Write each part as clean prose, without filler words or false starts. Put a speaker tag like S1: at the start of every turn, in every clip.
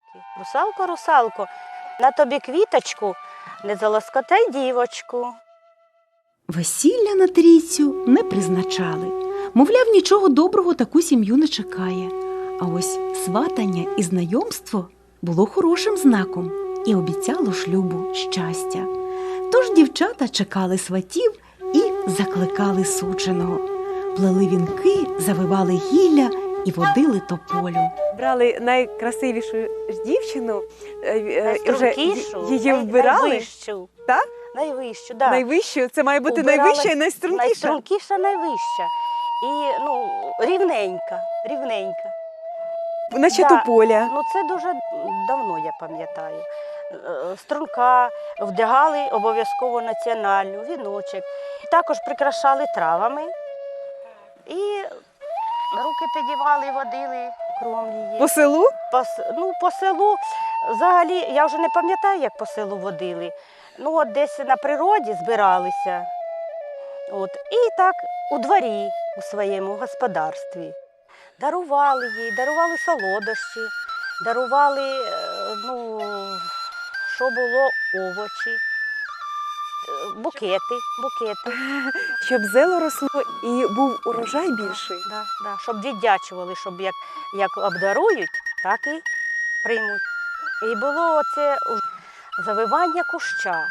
S1: Русалко, русалко, на тобі квіточку, не залоскотай дівочку.
S2: Весілля на трійцю не призначали. Мовляв, нічого доброго таку сім'ю не чекає. А ось сватання і знайомство було хорошим знаком і обіцяло шлюбу щастя. Тож дівчата чекали сватів і закликали суженого. Плели вінки, завивали гілля і водили тополю.
S3: Брали найкрасивішу ж дівчину,
S1: Найстрункішу,
S3: її вбирали.
S1: найвищу.
S3: Так?
S1: Найвищу, да.
S3: Найвищу, це має бути
S1: Убирали
S3: найвища і найстрункіша.
S1: Найстрункіша, найвища. І, рівненька, рівненька.
S3: Наче
S1: Да.
S3: тополя.
S1: Це дуже давно, я пам'ятаю. Струнка вдягали обов'язково національну, віночок. Також прикрашали травами. І руки підівали, водили кругом її.
S3: По селу?
S1: По селу, взагалі, я вже не пам'ятаю, як по селу водили. Десь на природі збиралися. І так у дворі, у своєму господарстві. Дарували їй, дарували солодощі, дарували, що було, овочі, букети.
S3: Щоб зело росло і був урожай більший.
S1: Да, щоб віддячували, щоб як обдарують, так і приймуть. І було оце завивання куща.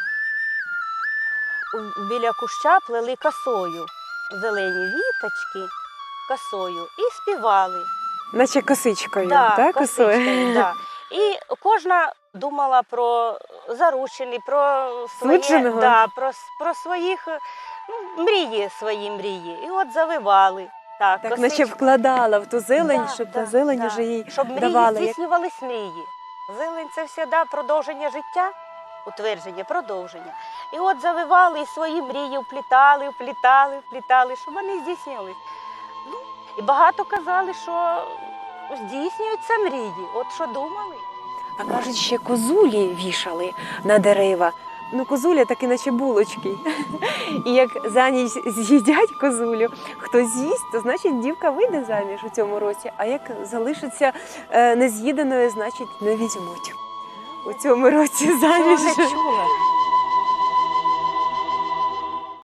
S1: Біля куща плели косою, зелені віточки косою і співали.
S3: Наче косичкою,
S1: Да,
S3: так?
S1: косичкою, да. І кожна думала про заручені, про
S3: Судженого?
S1: про своїх свої мрії. І от завивали.
S3: Так, наче вкладала в ту зелень, щоб та зелень уже їй
S1: щоб мрії
S3: давала.
S1: здійснювались мрії. Зелень – це завжди продовження життя, утвердження, продовження. І от завивали і свої мрії, вплітали, щоб вони здійснювались. І багато казали, що здійснюються мрії. От що думали.
S3: А кажуть, ще козулі вішали на дерева. Козуля так іначе булочки. І як за ніч з'їдять козулю, хто з'їсть, то значить дівка вийде заміж у цьому році. А як залишиться нез'їданою, значить не візьмуть у цьому році заміж.
S1: Цього не чула.